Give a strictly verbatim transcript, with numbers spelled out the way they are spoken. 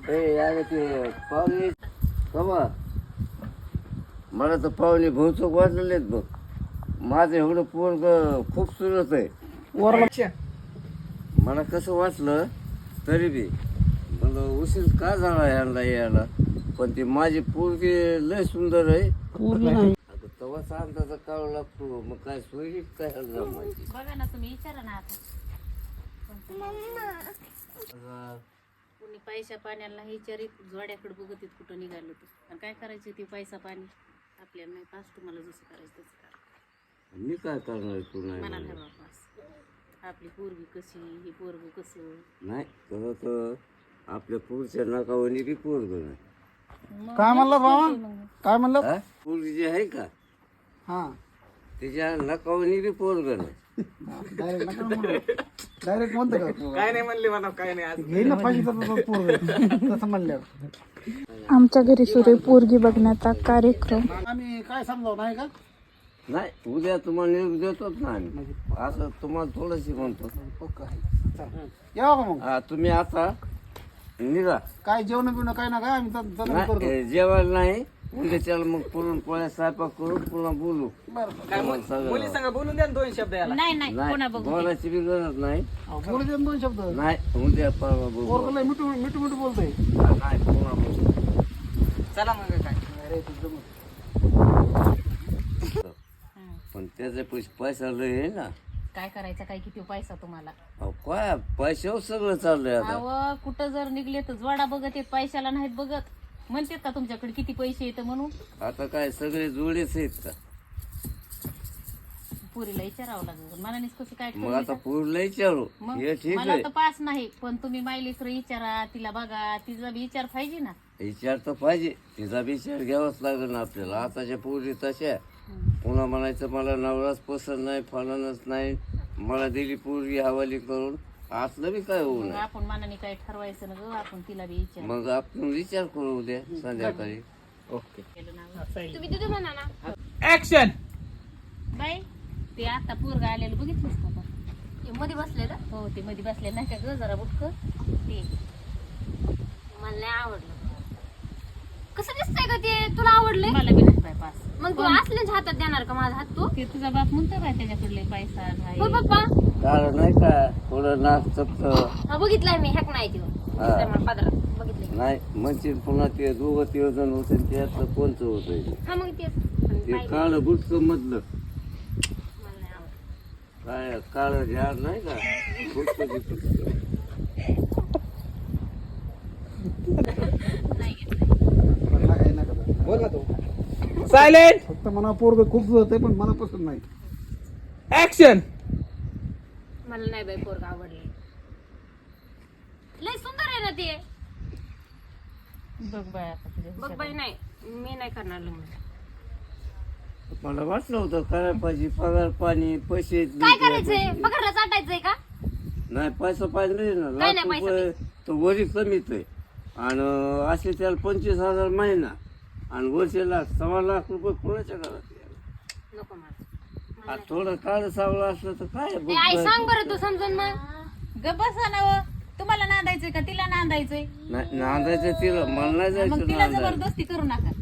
ए यार ते पाहुणे कमा मला तर पाहुणे बहुचोक वाजलेत बघ. माझं एवढं पोरग खूप सुरत आहे. वरला मला कसं वाटलं तरी बी मला उशीर का झाला यांना यायला, पण ती माझी पोरगी लय सुंदर आहे. पूर्ण नाही आता तवाच अंदाजा काढावा लागतो. मग काय सोयी काय जमायची. बघा ना तुम्ही विचारा ना आता कुणी पैसा पाण्याला विचारित जोड्याकडे बघत कुठं निघालो तर आणि काय करायचं ते पैसा पाणी आपल्याला नाही. पास तुम्हाला जसं करायचं तसं करा. मी काय करणार तू नाही मनाला म्हणलं. हवा पास. आपली पोरगी कशी ही पोरग कसं नाही तसं तर आपल्या पुढच्या नाकावणी बी पोरग नाही. मग काय म्हणलं बाबा मग. काय म्हणलं हा? पोरगी जी आहे का हा तिच्या नाकावणी बी पोरग नाही. डायरेक्ट नका म्हणू डायरेक्ट म्हणतो का काय नाही म्हणले मला, काय नाही आज घेईन ना पाहिजे तर पोरग तसं म्हणल्यावर आमच्या घरी सुरू पोरगी बघण्याचा कार्यक्रम. आम्ही काय समजावं नाही का नाही उद्या तुम्हाला निरोप देतोच ना आम्ही. असं तुम्हाला थोडंशी म्हणतो. पक्का आहे. चला. यावं का मग हा तुम्ही आता निघा. काय जेवण बिवणं काय ना काय आम्ही तर- तर नाही करतो ए, जेवायला नाही उद्याच्याला मग पुरण पोळ्या स्वयंपाक करून पुन्हा बोलू. बरं काय तुम्हाला सगळं- मुली संग बोलून द्या ना दोन शब्द याला. नाही नाही कोणा नाही बघू बोलायची बी गरज नाही. अहो, बोलू दे ना दोन शब्द नाही उद्या परवा बोलू. पोरग लय मिठू मिठू मिठू बोलतोय हा, नाही पुन्हा बोलू. चला मग काय अरे तुझं जमत. पण त्याचे पैसे पैसा लय आहे ना. काय करायचं काय किती पैसा तुम्हाला. अहो, काय पैशावर सगळं चाललंय आता. अव कुठं जर निघले तर जोडा बघत येत पैशाला नाहीत बघत. म्हणतात का तुमच्याकडे किती पैसे येतं म्हणून. आता काय सगळे जोडेच आहेत का. पुरीला विचारावं लागेल मनानेच कसं काय मग ठरवलं आता का? पुरलं विचारू मग हे ठीक मला आहे. तर पास नाही पण तुम्ही मायलेकर विचारा तिला बघा तिचा बी विचार पाहिजे ना. विचार तर पाहिजे. तिचा विचार घ्यावाच लागेल ना आपल्याला. आताच्या पोरी तशा पुन्हा म्हणायचं मला नवराच पसंत नाही फलनच नाही मला दिली पोरगी हवाली करून. असलं बी काय होऊ मग नये. आपण मनाने काय ठरवायचं ना ग आपण तिला बी विचार मग आपण विचार करू उद्या संध्याकाळी. ओके केलं ना. तुम्ही तिथे म्हणा ना ऍक्शन. बाई ते आता पोरगा आलेलं बघितलंस का आपण? हे मध्ये बसले का हो ते मध्ये बसले नाही का ग जरा बुटक ते मला नाही आवडलं. कसं दिसतंय का ते तुला आवडलंय मला बी नाही बाई पास. मग तू असल्याच हातात देणार का माझा हात तू ते तुझा बाप म्हणतो काय त्याच्याकडले पैसा हो नाही. पप्पा कारण नाही का थोडं नाक चपत हा बघितलाय मी हॅक नाही ते दिसतंय मला पदरात बघितलंय. नाही म्हणजे पुन्हा ते दोघं तिघ जण होते आणि त्यातलं कोणचं होतंय हा मग तेच ते काळ बुटक मधलं मला नाही आवडलं. काय काळ झाड नाही का बुटकं बिटकं. मला काय नका दादा. बोल ना तू. सायलेंट. फक्त मला पोरग खूप जुळत आहे पण मला पसंत नाही. ऍक्शन. मला नाही बाई पोरगा आवडले. लय सुंदर आहे ना ते. बघ बाय आता तुझ्या बघ बाई नाही मी नाही करणार लग्न. मला वाटलं होतं करायला पाहिजे पगार पाणी पैसे काय करायचंय पगारला चाटायचंय का नाही पैसा पाहिजे ना. काय लाख नाही पैसा रुपये तर वरी कमीच आहे आणि असे त्याला पंचवीस हजार महिना आणि वर्षे लाख सव्वा लाख रुपये कोणाच्या घरात यायला? नको मला. आ, थोडं काळ सावळं असलं तर काय ए, आई बघ. सांग बरं तू समजून मग. ग बसा ना व. तुम्हाला नांदायचंय का तिला नांदायचंय नाही नांदायचं तिला मला नाही मग जायचं तिला नांदायला. जबरदस्ती करू नका.